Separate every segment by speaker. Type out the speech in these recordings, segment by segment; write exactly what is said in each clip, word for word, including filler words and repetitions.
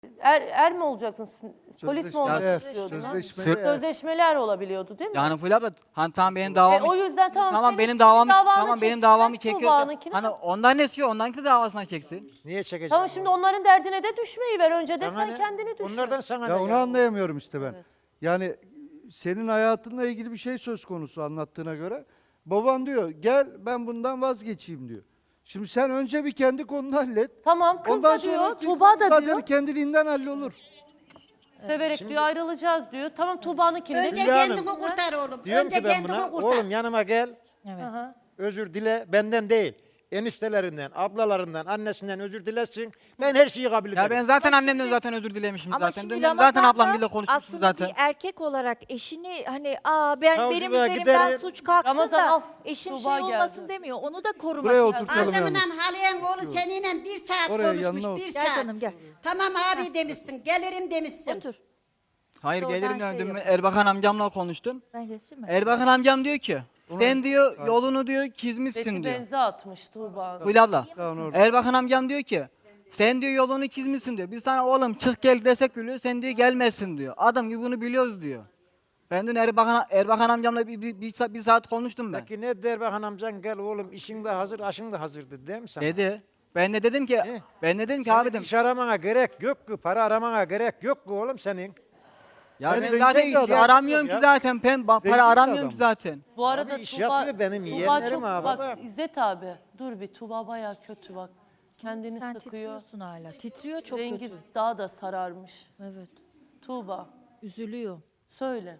Speaker 1: Er, er mi olacaksın? Polis mi olmak
Speaker 2: Sözleşmeli er,
Speaker 1: istiyordun? ha?
Speaker 2: sözleşmeli er.
Speaker 1: Sözleşmeler olabiliyordu değil mi?
Speaker 3: Yani Fulya abla hani tamam benim davamı...
Speaker 1: E, o yüzden tamam,
Speaker 3: tamam
Speaker 1: senin-
Speaker 3: benim
Speaker 1: senin
Speaker 3: davamı
Speaker 1: davanı
Speaker 3: tamam benim
Speaker 1: çeksinler,
Speaker 3: davamı çekiyorsa
Speaker 1: Tuğba'nınkini
Speaker 3: hani
Speaker 1: mi?
Speaker 3: ondan ne istiyor? Ondanki de davasına çeksin.
Speaker 4: Niye çekeceğim?
Speaker 1: Tamam şimdi onların derdine de düşmeyi ver. Önce de
Speaker 4: Sana
Speaker 1: sen
Speaker 4: ne?
Speaker 1: kendini düşün.
Speaker 4: Onlardan sana
Speaker 2: Ya
Speaker 4: ne?
Speaker 2: onu anlayamıyorum işte ben. Yani senin hayatınla ilgili bir şey söz konusu anlattığına göre. Baban diyor gel ben bundan vazgeçeyim diyor. Şimdi sen önce bir kendi konunu hallet.
Speaker 1: Tamam kız
Speaker 2: Ondan
Speaker 1: da diyor,
Speaker 2: sonra
Speaker 1: Tuğba da
Speaker 2: zaten
Speaker 1: diyor.
Speaker 2: kendiliğinden hallolur.
Speaker 1: Severek diyor ayrılacağız diyor. Tamam Tuğba'nınkini de
Speaker 5: Önce
Speaker 4: Hülya Hanım,
Speaker 5: kendini kurtar oğlum.
Speaker 4: Diyorum
Speaker 5: Önce
Speaker 4: ki ben
Speaker 5: kendini
Speaker 4: buna
Speaker 5: kurtar.
Speaker 4: oğlum yanıma gel.
Speaker 1: Aha.
Speaker 4: Özür dile benden değil. Eniştelerinden, ablalarından, annesinden özür dilesin. Ben her şeyi kabul ederim.
Speaker 3: Ya ben zaten annemden zaten özür dilemişim
Speaker 6: Ama
Speaker 3: zaten.
Speaker 6: şimdi
Speaker 3: Dün zaten ablam
Speaker 6: Ramazan'da
Speaker 3: bile konuşmuştum
Speaker 6: aslında
Speaker 3: zaten.
Speaker 6: bir erkek olarak eşini hani aa ben
Speaker 4: Savcılığa
Speaker 6: benim üzerimden
Speaker 4: giderim.
Speaker 6: suç kalksın
Speaker 1: Ramazan al,
Speaker 6: da eşim
Speaker 1: Tuğba
Speaker 6: şey olmasın
Speaker 1: geldi.
Speaker 6: demiyor. Onu da korumak
Speaker 2: Buraya
Speaker 6: lazım.
Speaker 2: oturtalım
Speaker 5: Akşamından
Speaker 2: yalnız.
Speaker 5: Haliye'nin oğlu seninle bir saat
Speaker 2: Oraya,
Speaker 5: konuşmuş,
Speaker 2: yanına
Speaker 5: bir
Speaker 2: otur.
Speaker 6: Gel
Speaker 5: saat.
Speaker 6: canım, gel.
Speaker 5: Tamam abi demişsin, gelirim demişsin.
Speaker 6: Otur.
Speaker 3: Hayır
Speaker 6: Oradan
Speaker 3: gelirim
Speaker 6: şey
Speaker 3: dedim.
Speaker 6: yap.
Speaker 3: Erbakan amcamla konuştum.
Speaker 6: Ben geçeyim mi?
Speaker 3: Erbakan amcam diyor ki sen diyor yolunu diyor çizmişsin
Speaker 1: Beti
Speaker 3: diyor.
Speaker 1: benze atmış Tuğba.
Speaker 3: Fulya abla.
Speaker 2: Tamam, orada.
Speaker 3: Erbakan amcam diyor ki sen diyor yolunu çizmişsin diyor. Biz sana oğlum çık gel desek biliyor sen diyor gelmezsin diyor. Adam gibi bunu biliyoruz diyor. Ben dün Erbakan, Erbakan amcamla bir, bir, bir, saat, bir saat konuştum ben.
Speaker 4: Peki ne der bakan amcan gel oğlum işin de hazır, aşın da hazır dedi değil mi sana?
Speaker 3: Dedi. Ben de dedim ki
Speaker 4: Ne?
Speaker 3: ben de dedim ki
Speaker 4: Senin
Speaker 3: abi dedim.
Speaker 4: iş aramana gerek yok ki, para aramana gerek yok ki oğlum senin.
Speaker 3: Ya
Speaker 4: Ben
Speaker 3: ben
Speaker 4: zengin
Speaker 3: zaten
Speaker 4: bir
Speaker 3: hiç
Speaker 4: adam
Speaker 3: aramıyorum
Speaker 4: yok
Speaker 3: ki
Speaker 4: ya.
Speaker 3: zaten. Ben ba-
Speaker 2: Zengin
Speaker 3: para
Speaker 2: bir
Speaker 3: aramıyorum
Speaker 2: adam.
Speaker 3: ki zaten.
Speaker 1: Bu arada
Speaker 4: Abi iş
Speaker 1: Tuğba,
Speaker 4: yapıyor benim
Speaker 1: Tuğba
Speaker 4: yeğenlerim
Speaker 1: çok,
Speaker 4: ha
Speaker 1: bak
Speaker 4: baba.
Speaker 1: İzzet abi dur bir Tuğba bayağı kötü bak. Kendini
Speaker 6: Sen
Speaker 1: sıkıyor.
Speaker 6: titriyorsun hala. Titriyor çok
Speaker 1: Rengi
Speaker 6: kötü.
Speaker 1: daha da sararmış.
Speaker 6: Evet.
Speaker 1: Tuğba
Speaker 6: Üzülüyor.
Speaker 1: söyle.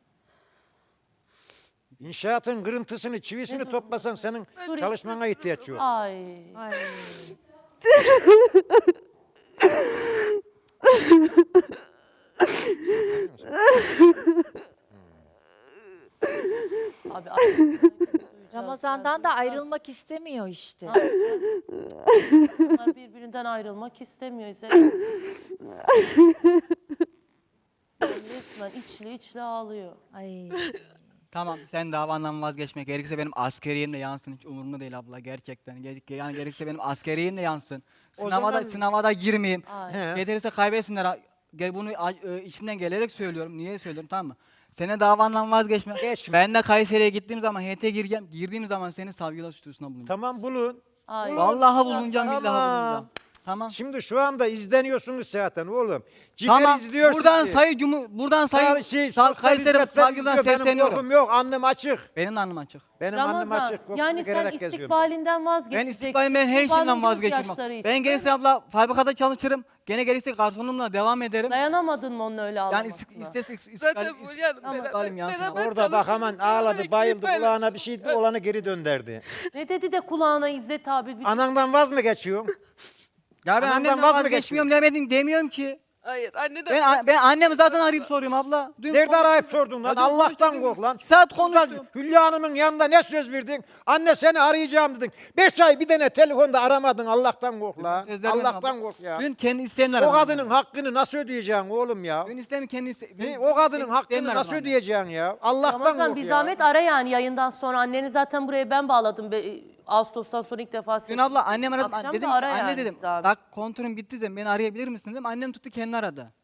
Speaker 4: İnşaatın kırıntısını, çivisini toplasan senin
Speaker 1: Dur.
Speaker 4: çalışmana ihtiyaç yok.
Speaker 1: Ay.
Speaker 6: Ay.
Speaker 1: Abi ay-
Speaker 6: Ramazan'dan da ayrılmak istemiyor işte.
Speaker 1: Bunlar birbirinden ayrılmak istemiyor İzzet. Resmen içli içli ağlıyor.
Speaker 6: Ay.
Speaker 3: Tamam sen davandan vazgeçmek gerekirse benim askeriyim de yansın hiç umurumda değil abla gerçekten. Ger- Yani gerekirse benim askeriyim de yansın.
Speaker 4: O
Speaker 3: Sınava da
Speaker 4: zaman-
Speaker 3: sınava da girmeyeyim.
Speaker 1: Ay.
Speaker 4: He.
Speaker 3: Yeterse kaybetsinler. Ha- Gel bunu a- e, içimden gelerek söylüyorum. Niye söylüyorum tamam mı? Senin davandan vazgeçme.
Speaker 4: Geçme.
Speaker 3: Ben de Kayseri'ye gittiğim zaman H T'ye gireceğim. Girdiğim zaman seni savcılığa suçlusuna bulunacağım.
Speaker 4: Tamam bulun.
Speaker 1: Ay.
Speaker 3: Vallahi bulunacağım
Speaker 4: Tamam.
Speaker 3: billahi bulunacağım. Tamam.
Speaker 4: Şimdi şu anda izleniyorsunuz zaten oğlum. Ciger
Speaker 3: Tamam.
Speaker 4: izliyor
Speaker 3: Buradan
Speaker 4: sizi.
Speaker 3: sayı cumu buradan sayı
Speaker 4: Sağ- şey,
Speaker 3: Sa-
Speaker 4: sosyal
Speaker 3: Kayseri
Speaker 4: hizmetler
Speaker 3: savcılığına
Speaker 4: izliyor. Benim
Speaker 3: sesleniyorum.
Speaker 4: korkum yok, annem açık.
Speaker 3: Benim de alnım açık.
Speaker 4: Benim annem
Speaker 1: Ramazan
Speaker 4: açık. korkumu
Speaker 1: yani sen
Speaker 4: gererek geziyorum.
Speaker 1: istikbalinden
Speaker 3: Ben
Speaker 1: vazgeçeceksin.
Speaker 3: istikbalim ben her
Speaker 1: Tuğba'nın
Speaker 3: şeyden
Speaker 1: göz
Speaker 3: vazgeçirim.
Speaker 1: yaşları için.
Speaker 3: Ben gerekirse abla fabrikada çalışırım. Gene gerekirse garsonluğumla devam ederim.
Speaker 1: Dayanamadın mı onun öyle
Speaker 3: Yani
Speaker 1: ağlamasına?
Speaker 3: istek istesek istikbal
Speaker 7: Zaten bu yani
Speaker 3: istiklalim yansın abla.
Speaker 7: beraber
Speaker 4: Orada bak hemen
Speaker 7: çalışıyoruz,
Speaker 4: ağladı,
Speaker 7: beraber
Speaker 4: bayıldı,
Speaker 7: ekmeği
Speaker 4: kulağına bir şeydi, olanı geri dönderdi.
Speaker 1: Ne dedi de kulağına İzzet abi? Bir...
Speaker 4: Anandan vaz mı geçiyorsun?
Speaker 3: Ya ben
Speaker 4: Anamdan
Speaker 3: annemden
Speaker 4: vaz mı
Speaker 3: vazgeçmiyorum demedim demiyorum ki.
Speaker 7: Hayır anne de
Speaker 3: Ben ben annemi zaten arayıp soruyorum abla. Dün
Speaker 4: Nerede
Speaker 3: konuştum.
Speaker 4: arayıp sordun lan?
Speaker 3: Ya dün
Speaker 4: Allah'tan
Speaker 3: konuştum.
Speaker 4: kork lan.
Speaker 3: İki saat
Speaker 4: Buradan
Speaker 3: konuştum.
Speaker 4: Hülya Hanım'ın yanında ne söz verdin? Anne seni arayacağım dedin. Beş ay bir tane telefonda aramadın. Allah'tan kork lan.
Speaker 3: Sözler vermem
Speaker 4: Allah'tan
Speaker 3: abla.
Speaker 4: kork ya.
Speaker 3: Dün kendi isteğimle
Speaker 4: O
Speaker 3: aradım.
Speaker 4: kadının hakkını nasıl ödeyeceksin oğlum ya?
Speaker 3: Dün isteğimi kendi iste
Speaker 4: Ne, o kadının hakkını
Speaker 3: isteğimle
Speaker 4: nasıl
Speaker 3: aradım.
Speaker 4: ödeyeceksin ya? Allah'tan
Speaker 1: Ramazan
Speaker 4: kork
Speaker 1: bir
Speaker 4: ya.
Speaker 1: zahmet ara yani yayından sonra. Anneni zaten buraya ben bağladım. Be- Ağustos'tan sonra ilk defa
Speaker 3: Dün
Speaker 1: ses.
Speaker 3: abla annem aradı.
Speaker 1: Akşam
Speaker 3: Dedim
Speaker 1: da
Speaker 3: ki,
Speaker 1: ara
Speaker 3: anne
Speaker 1: yani
Speaker 3: dedim.
Speaker 1: bir zahmet.
Speaker 3: Bak kontrolüm bitti dedim. Beni arayabilir misin dedim. Annem tuttu kendi aradı.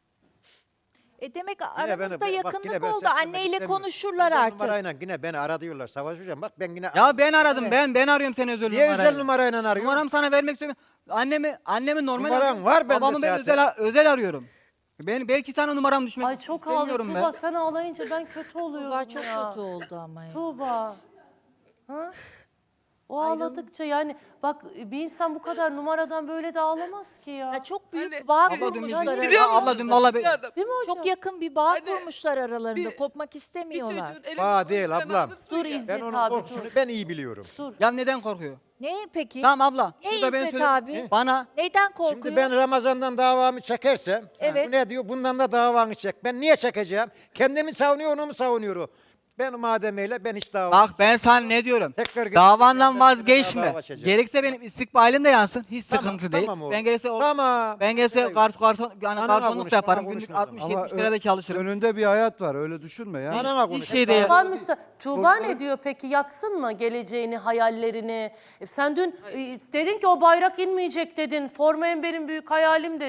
Speaker 6: E demek
Speaker 4: Yine
Speaker 6: aranızda
Speaker 4: beni- bak
Speaker 6: yakınlık
Speaker 4: yine ben
Speaker 6: oldu.
Speaker 4: seslenmek
Speaker 6: Anneyle
Speaker 4: istemiyorum.
Speaker 6: konuşurlar
Speaker 4: Özel
Speaker 6: artık.
Speaker 4: numarayla yine beni ara diyorlar. Savaş hocam bak ben yine...
Speaker 3: Ya ben aradım ben. Ben arıyorum seni özel
Speaker 4: Niye
Speaker 3: numarayla.
Speaker 4: özel numarayla arıyorsun?
Speaker 3: Numaramı sana vermek istemiyorum. Annemi, annemi normal
Speaker 4: Numaran
Speaker 3: arıyorum.
Speaker 4: var bende
Speaker 3: Babamı ben
Speaker 4: zaten.
Speaker 3: özel, özel arıyorum. Ben belki sana numaram düşmek
Speaker 1: Ay çok
Speaker 3: istemiyorum
Speaker 1: ağlıyor.
Speaker 3: ben.
Speaker 1: Tuğba sen ağlayınca ben kötü oluyorum
Speaker 6: Tuğba çok
Speaker 1: ya.
Speaker 6: kötü oldu ama ya.
Speaker 1: Tuğba. Ha? O ağladıkça yani bak bir insan bu kadar numaradan böyle de ağlamaz ki ya.
Speaker 6: Ya çok büyük
Speaker 7: Anne,
Speaker 6: bir bağ
Speaker 3: Abla dün
Speaker 6: kurmuşlar
Speaker 3: bizim-
Speaker 7: Biliyor
Speaker 6: aralarında.
Speaker 7: musun?
Speaker 3: Abla dün valla be-
Speaker 7: Bir adam,
Speaker 1: Değil mi hocam?
Speaker 6: Çok yakın bir bağ
Speaker 7: Anne,
Speaker 6: kurmuşlar aralarında.
Speaker 7: bir-
Speaker 6: Kopmak
Speaker 7: bir
Speaker 6: istemiyorlar.
Speaker 7: çocuğun elini
Speaker 4: Bağ değil
Speaker 7: kolundan
Speaker 4: ablam.
Speaker 7: alırsın
Speaker 1: Dur
Speaker 7: ya.
Speaker 1: İzzet
Speaker 4: Ben onun
Speaker 1: abi
Speaker 4: korkusunu
Speaker 1: dur.
Speaker 4: ben iyi biliyorum.
Speaker 1: Dur.
Speaker 3: Ya neden korkuyor?
Speaker 6: Ne peki?
Speaker 3: Tamam abla.
Speaker 6: Ne
Speaker 3: Şurada ben
Speaker 6: İzzet
Speaker 3: söyleyeyim.
Speaker 6: abi?
Speaker 3: Bana
Speaker 6: Neyden korkuyor?
Speaker 4: Şimdi ben Ramazan'dan davamı çekersem,
Speaker 6: Evet.
Speaker 4: bu ne diyor? Bundan da davanı çek. Ben niye çekeceğim? Kendimi savunuyor, onu mu savunuyor? Ben mademeyle ben hiç dava...
Speaker 3: bak ben sana ne diyorum?
Speaker 4: Tekrar gel-
Speaker 3: Davandan
Speaker 4: ben
Speaker 3: vazgeçme.
Speaker 4: dava açacağım.
Speaker 3: Gerekse benim istikbalim de yansın. Hiç
Speaker 4: Tamam,
Speaker 3: sıkıntı değil.
Speaker 4: tamam oğlum.
Speaker 3: Ben gerekse o
Speaker 4: Tamam.
Speaker 3: ben gerekse
Speaker 4: Evet.
Speaker 3: garson garson yani
Speaker 4: Anana
Speaker 3: garsonluk
Speaker 4: konuş,
Speaker 3: da yaparım.
Speaker 4: bana
Speaker 3: Günlük
Speaker 4: konuşma
Speaker 3: altmış
Speaker 2: Ama
Speaker 3: yetmiş lirada çalışırım.
Speaker 2: önünde bir hayat var öyle düşünme ya.
Speaker 4: Anana
Speaker 3: Hiç
Speaker 4: konuş.
Speaker 3: şey değil.
Speaker 1: Tuğba, müsa- Tuğba ne diyor peki yaksın mı geleceğini, hayallerini? E, sen dün e, dedin ki o bayrak inmeyecek dedin. Formayın benim büyük hayalim dedin.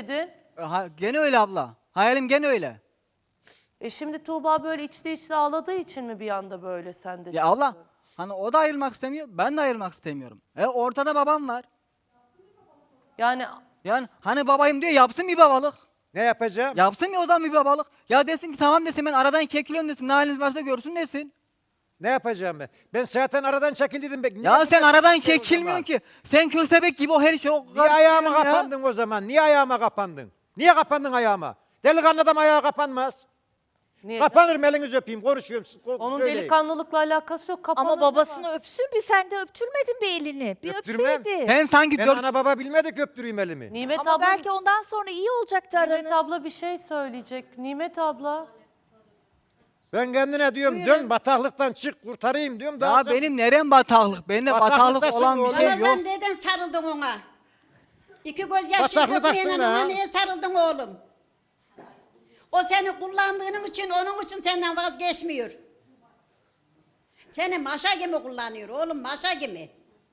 Speaker 3: Ha, gene öyle abla. Hayalim gene öyle.
Speaker 1: E şimdi Tuğba böyle içli içli ağladığı için mi bir anda böyle sende?
Speaker 3: Ya abla hani o da ayrılmak istemiyor, ben de ayrılmak istemiyorum. E ortada babam var.
Speaker 1: Yani
Speaker 3: Yani hani babayım diyor yapsın bir babalık.
Speaker 4: Ne yapacağım?
Speaker 3: Yapsın ya o zaman bir babalık. Ya desin ki tamam desin ben aradan çekiliyorum desin. Ne haliniz varsa görsün desin.
Speaker 4: Ne yapacağım ben? Ben zaten aradan çekildim. Ben.
Speaker 3: Ya
Speaker 4: Niye
Speaker 3: sen
Speaker 4: buna
Speaker 3: aradan
Speaker 4: çekildin o
Speaker 3: çekilmiyorsun
Speaker 4: zaman?
Speaker 3: ki. Sen köstebek gibi o her şey o
Speaker 4: Niye ayağıma
Speaker 3: ya.
Speaker 4: kapandın o zaman? Niye ayağıma kapandın? Niye kapandın ayağıma? Delikanlı adam ayağa kapanmaz.
Speaker 1: niye?
Speaker 4: Kapanırım, elinizi öpeyim, konuşuyorum. siz ko-
Speaker 1: Onun
Speaker 4: söyleyin.
Speaker 1: delikanlılıkla alakası yok. Kapanır
Speaker 6: Ama babasını öpsün bir, sen de öptürmedin bir elini. Bir
Speaker 4: Öptürmem.
Speaker 6: öpseydi.
Speaker 3: Sen sanki
Speaker 4: Ben
Speaker 3: dört...
Speaker 4: ana baba bilmedik öptüreyim elimi.
Speaker 1: Nimet
Speaker 6: Ama
Speaker 1: abla,
Speaker 6: belki ondan sonra iyi olacaktı
Speaker 1: Nimet
Speaker 6: aranız.
Speaker 1: abla bir şey söyleyecek. Nimet abla.
Speaker 4: Ben kendine diyorum dön bataklıktan çık kurtarayım diyorum. Daha
Speaker 3: Ya
Speaker 4: sen-
Speaker 3: benim nerem bataklık? Bende bataklık
Speaker 4: Bataklıktasın
Speaker 3: olan bir
Speaker 4: oğlum.
Speaker 3: şey yok.
Speaker 5: Ramazan neden sarıldın ona? İki göz yaşı
Speaker 4: Bataklıktasın
Speaker 5: dökmeyen
Speaker 4: ha.
Speaker 5: ona niye sarıldın oğlum? O seni kullandığın için, onun için senden vazgeçmiyor. Seni maşa gibi kullanıyor oğlum, maşa gibi.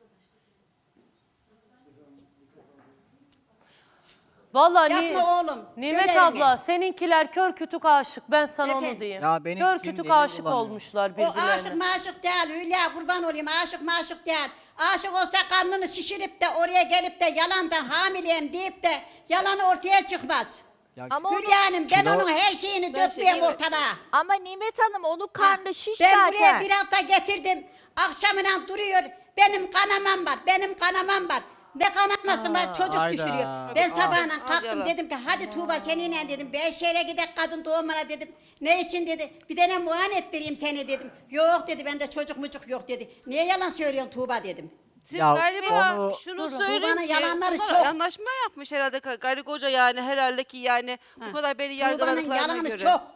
Speaker 1: Vallahi Ni-
Speaker 5: Yapma oğlum.
Speaker 1: Nimet
Speaker 5: gör elini.
Speaker 1: abla seninkiler kör kütük aşık. Ben sana onu
Speaker 5: Efendim?
Speaker 1: diyeyim.
Speaker 3: Ya benim
Speaker 1: kör
Speaker 3: kim
Speaker 1: kütük
Speaker 3: belli
Speaker 1: aşık
Speaker 3: olamıyor.
Speaker 1: olmuşlar
Speaker 5: O aşık
Speaker 1: birbirlerine.
Speaker 5: maşık değil Hülya, kurban olayım, aşık maşık değil. Aşık olsa karnını şişirip de oraya gelip de yalandan hamileyim deyip de yalanı ortaya çıkmaz.
Speaker 3: Ya,
Speaker 6: Ama onu,
Speaker 5: Hülya Hanım, ben
Speaker 3: Kilo-
Speaker 5: onun her şeyini
Speaker 1: Ben
Speaker 5: dökmeyeyim
Speaker 1: şey-
Speaker 5: ortalığa.
Speaker 6: ama Nimet Hanım onun karnı şiş
Speaker 5: Ben
Speaker 6: zaten.
Speaker 5: buraya bir hafta getirdim. Akşamına duruyor. Benim kanamam var. Benim kanamam var. Ne kanaması var? Çocuk
Speaker 3: hayda.
Speaker 5: düşürüyor. Ben
Speaker 3: Aa.
Speaker 5: sabahına kalktım
Speaker 7: Acaba.
Speaker 5: dedim ki hadi Tuğba seninle dedim. Beyşehir'e gidek kadın doğumuna dedim. Ne için dedi. Bir tane muayene ettireyim seni dedim. Yok dedi, bende çocuk mucuk yok dedi. Niye yalan söylüyorsun Tuğba dedim.
Speaker 7: Siz
Speaker 3: Ya
Speaker 7: galiba
Speaker 3: onu-
Speaker 7: şunu
Speaker 5: Durun,
Speaker 7: söyleyin
Speaker 5: Tuğba'nın
Speaker 7: ki
Speaker 5: yalanları
Speaker 7: bunlar
Speaker 5: çok.
Speaker 7: anlaşma yapmış herhalde karı koca yani herhalde ki yani bu kadar beni
Speaker 5: Tuğba'nın
Speaker 7: yargıladıklarına
Speaker 5: yalanı
Speaker 7: göre.
Speaker 5: çok.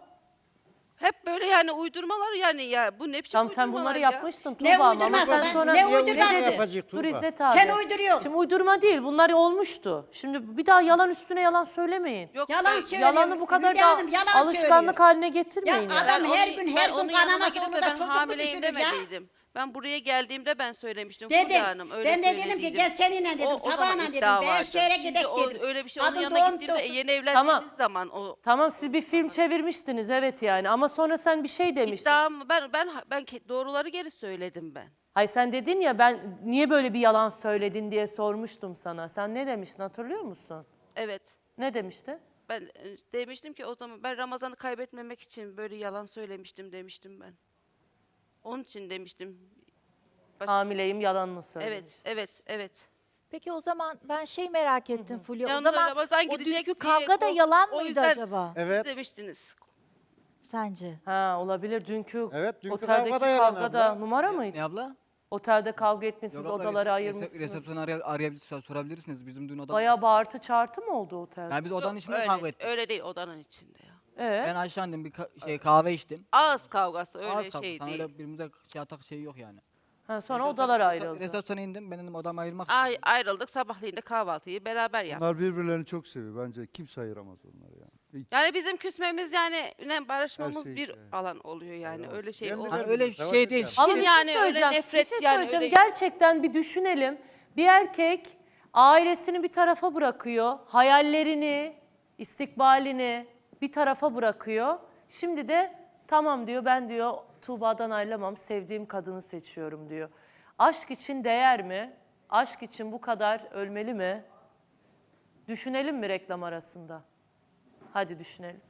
Speaker 7: Hep böyle yani uydurmalar yani ya bu ne biçim
Speaker 1: Tamam sen
Speaker 7: uydurmalar
Speaker 1: bunları
Speaker 7: ya?
Speaker 1: yapmıştın
Speaker 5: Ne
Speaker 1: Tuğba ama
Speaker 5: uydurması
Speaker 1: sen
Speaker 5: lan?
Speaker 1: sonra...
Speaker 5: Ne
Speaker 1: Niye
Speaker 5: uydurması?
Speaker 1: dedin?
Speaker 4: Yapacak
Speaker 1: Dur
Speaker 4: Tuğba.
Speaker 1: İzzet abi.
Speaker 5: Sen uyduruyorsun.
Speaker 1: Şimdi uydurma değil, bunlar olmuştu. Şimdi bir daha yalan üstüne yalan söylemeyin.
Speaker 7: Yok,
Speaker 5: Yalan
Speaker 7: ben-
Speaker 5: söylüyor.
Speaker 1: Yalanı bu kadar
Speaker 5: Hülya
Speaker 1: da
Speaker 5: Hanım yalan
Speaker 1: alışkanlık
Speaker 5: söylüyor.
Speaker 1: haline
Speaker 5: Ya
Speaker 1: getirmeyin. yani.
Speaker 5: adam
Speaker 7: Ben
Speaker 5: her
Speaker 7: onu-
Speaker 5: gün
Speaker 7: ben
Speaker 5: her gün
Speaker 7: onun yanına
Speaker 5: kanaması
Speaker 7: gidip
Speaker 5: onu
Speaker 7: de
Speaker 5: da
Speaker 7: ben
Speaker 5: çocuk mu
Speaker 7: hamileyim
Speaker 5: düşürür ya?
Speaker 7: demediydim. Ben buraya geldiğimde ben söylemiştim Fulya
Speaker 5: Dedim.
Speaker 7: Hanım. Öyle
Speaker 5: Ben de dedim ki
Speaker 7: söylediydim.
Speaker 5: gel seninle dedim.
Speaker 7: O- o zaman
Speaker 5: Sabahına dedim.
Speaker 7: iddia vardı.
Speaker 5: Beyşehir'e
Speaker 7: Şimdi
Speaker 5: gidek
Speaker 7: o-
Speaker 5: dedim.
Speaker 7: Öyle bir şey onun
Speaker 5: Kadın
Speaker 7: yanına
Speaker 5: doğum
Speaker 7: gittiğimde
Speaker 5: doktor-
Speaker 7: yeni evlendiğimiz
Speaker 1: Tamam.
Speaker 7: zaman o
Speaker 1: Tamam siz bir film çevirmiştiniz evet yani ama sonra sen bir şey demiştin.
Speaker 7: iddiam ben ben ben ke- doğruları geri söyledim ben.
Speaker 1: Hayır sen dedin ya ben niye böyle bir yalan söyledin diye sormuştum sana. Sen ne demiştin hatırlıyor musun?
Speaker 7: Evet.
Speaker 1: Ne demiştin?
Speaker 7: Ben e, demiştim ki o zaman ben Ramazan'ı kaybetmemek için böyle yalan söylemiştim demiştim ben. Onun için demiştim. Baş-
Speaker 1: Hamileyim yalanını söylemiş.
Speaker 7: Evet, evet, evet.
Speaker 6: Peki o zaman ben şey merak ettim Fulya. O
Speaker 7: Yanına
Speaker 6: zaman
Speaker 7: Ramazan
Speaker 6: o
Speaker 7: gidecek
Speaker 6: dünkü
Speaker 7: diye
Speaker 6: kavga da
Speaker 7: kork-
Speaker 6: yalan
Speaker 7: o
Speaker 6: mıydı
Speaker 7: yüzden-
Speaker 6: acaba
Speaker 4: Evet.
Speaker 7: Siz demiştiniz.
Speaker 6: sence?
Speaker 1: Ha olabilir dünkü
Speaker 4: Evet, dünkü
Speaker 1: oteldeki
Speaker 4: kavga da yalan
Speaker 1: kavgada
Speaker 4: abla.
Speaker 1: numara mıydı?
Speaker 3: Ne abla?
Speaker 1: Otelde kavga etmişsiniz
Speaker 3: Yok abla,
Speaker 1: odaları
Speaker 3: resep-
Speaker 1: ayırmışsınız.
Speaker 3: Resepsiyonu araya, arayabilirsiniz, sorabilirsiniz. Bizim dün odada.
Speaker 1: Bayağı bağırtı çağırtı mı oldu otelde?
Speaker 3: Yani biz odanın
Speaker 7: Yok,
Speaker 3: içinde
Speaker 7: öyle,
Speaker 3: kavga ettik.
Speaker 7: öyle değil odanın içinde ya.
Speaker 1: Ee?
Speaker 3: Ben aşağı indim bir ka- şey kahve içtim.
Speaker 7: Ağız kavgası öyle
Speaker 3: Az kaldı.
Speaker 7: şey
Speaker 3: Sana
Speaker 7: değil.
Speaker 3: öyle birbirimize şey atak şey yok yani.
Speaker 1: Ha, sonra
Speaker 3: Resepsiyon-
Speaker 1: odalar ayrıldı.
Speaker 3: Resepsiyona indim. Ben dedim odamı ayırmak
Speaker 7: Ay,
Speaker 3: istedim.
Speaker 7: ayrıldık sabahleyin de kahvaltıyı beraber yaptık.
Speaker 2: Onlar birbirlerini çok seviyor. Bence kimse ayıramaz onları yani. Hiç-
Speaker 7: Yani bizim küsmemiz yani ne barışmamız
Speaker 2: şey
Speaker 7: bir
Speaker 2: şey.
Speaker 7: alan oluyor yani öyle şey
Speaker 4: Ben de
Speaker 7: olmuyor.
Speaker 3: Hani
Speaker 4: ben-
Speaker 3: öyle
Speaker 4: Savaş
Speaker 3: şey
Speaker 4: yok
Speaker 3: değil.
Speaker 4: yani.
Speaker 1: Ama
Speaker 7: Biz
Speaker 1: bir
Speaker 7: yani
Speaker 1: şey
Speaker 7: öyle
Speaker 1: söyleyeceğim.
Speaker 7: nefret
Speaker 1: bir şey
Speaker 7: yani
Speaker 1: söyleyeceğim.
Speaker 7: öyle-
Speaker 1: Gerçekten bir düşünelim. Bir erkek ailesini bir tarafa bırakıyor. Hayallerini, istikbalini bir tarafa bırakıyor. Şimdi de tamam diyor ben diyor Tuğba'dan ayrılamam. Sevdiğim kadını seçiyorum diyor. Aşk için değer mi? Aşk için bu kadar ölmeli mi? Düşünelim mi reklam arasında? Hadi düşünelim.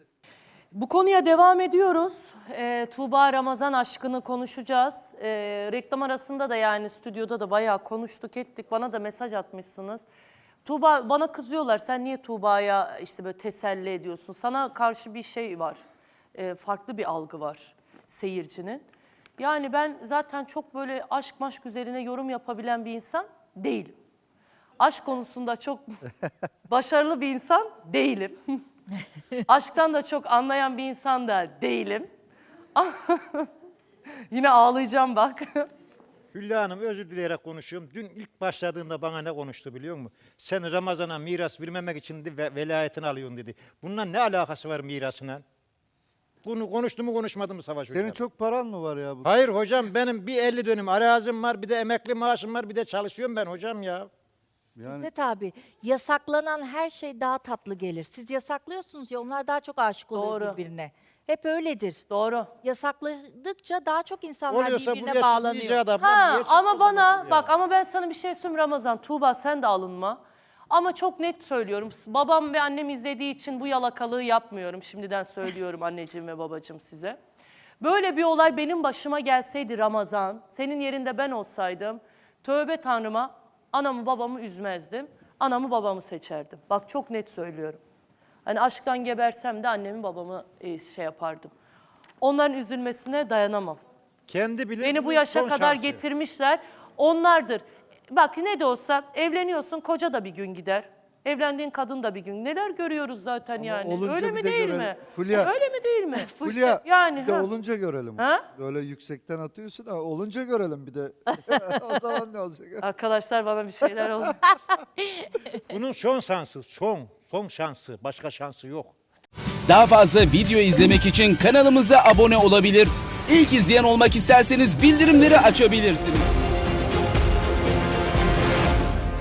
Speaker 1: Bu konuya devam ediyoruz. Ee, Tuğba Ramazan aşkını konuşacağız. Ee, reklam arasında da yani stüdyoda da bayağı konuştuk ettik. Bana da mesaj atmışsınız. Tuğba bana kızıyorlar. Sen niye Tuğba'ya işte böyle teselli ediyorsun? Sana karşı bir şey var. Ee, farklı bir algı var seyircinin. Yani ben zaten çok böyle aşk maşk üzerine yorum yapabilen bir insan değilim. Aşk konusunda çok başarılı bir insan değilim. Aşktan da çok anlayan bir insan da değilim. Yine ağlayacağım bak.
Speaker 4: Hülya Hanım özür dileyerek konuşuyorum. Dün ilk başladığında bana ne konuştu biliyor musun? Sen Ramazan'a miras vermemek için de ve- velayetini alıyorsun dedi. Bununla ne alakası var mirasına? Bunu konuştu mu konuşmadı mı Savaş Hocam?
Speaker 2: Senin çok paran mı var ya? Bu?
Speaker 4: Hayır hocam benim bir elli dönüm arazim var, bir de emekli maaşım var, bir de çalışıyorum ben hocam ya.
Speaker 2: Yani
Speaker 6: İzzet abi, yasaklanan her şey daha tatlı gelir. Siz yasaklıyorsunuz ya, onlar daha çok aşık oluyor
Speaker 1: Doğru.
Speaker 6: birbirine. Hep öyledir.
Speaker 1: Doğru.
Speaker 6: Yasakladıkça daha çok insanlar
Speaker 4: Oluyorsa
Speaker 6: birbirine
Speaker 4: buraya
Speaker 6: bağlanıyor.
Speaker 4: çıkmayacağı da
Speaker 1: Ha,
Speaker 4: niye çıktı o
Speaker 1: ama
Speaker 4: zaman
Speaker 1: bana
Speaker 4: buraya?
Speaker 1: bak ama ben sana bir şey söyleyeyim Ramazan. Tuğba sen de alınma. Ama çok net söylüyorum. Babam ve annem izlediği için bu yalakalığı yapmıyorum. Şimdiden söylüyorum anneciğim ve babacığım size. Böyle bir olay benim başıma gelseydi Ramazan, senin yerinde ben olsaydım, tövbe Tanrıma anamı babamı üzmezdim. Anamı babamı seçerdim. Bak çok net söylüyorum. Hani aşktan gebersem de annemi babamı e, şey yapardım. Onların üzülmesine dayanamam.
Speaker 4: Kendi bilir
Speaker 1: Beni bu
Speaker 4: bunun
Speaker 1: yaşa
Speaker 4: son
Speaker 1: kadar
Speaker 4: şansı.
Speaker 1: getirmişler. Onlardır. Bak ne de olsa evleniyorsun, koca da bir gün gider. Evlendiğin kadın da bir gün. Neler görüyoruz zaten yani.
Speaker 2: olunca
Speaker 1: Öyle
Speaker 2: bir
Speaker 1: mi
Speaker 2: de
Speaker 1: değil
Speaker 2: görelim.
Speaker 1: mi?
Speaker 2: Fulya.
Speaker 1: Öyle mi değil mi?
Speaker 2: Fulya
Speaker 1: Yani,
Speaker 2: bir de
Speaker 1: ha.
Speaker 2: olunca görelim.
Speaker 1: Ha?
Speaker 2: Böyle yüksekten atıyorsun ama olunca görelim bir de. O zaman ne olacak?
Speaker 1: Arkadaşlar bana bir şeyler oldu.
Speaker 4: Bunun son şansı, son, son şansı. Başka şansı yok.
Speaker 8: Daha fazla video izlemek için kanalımıza abone olabilir. İlk izleyen olmak isterseniz bildirimleri açabilirsiniz.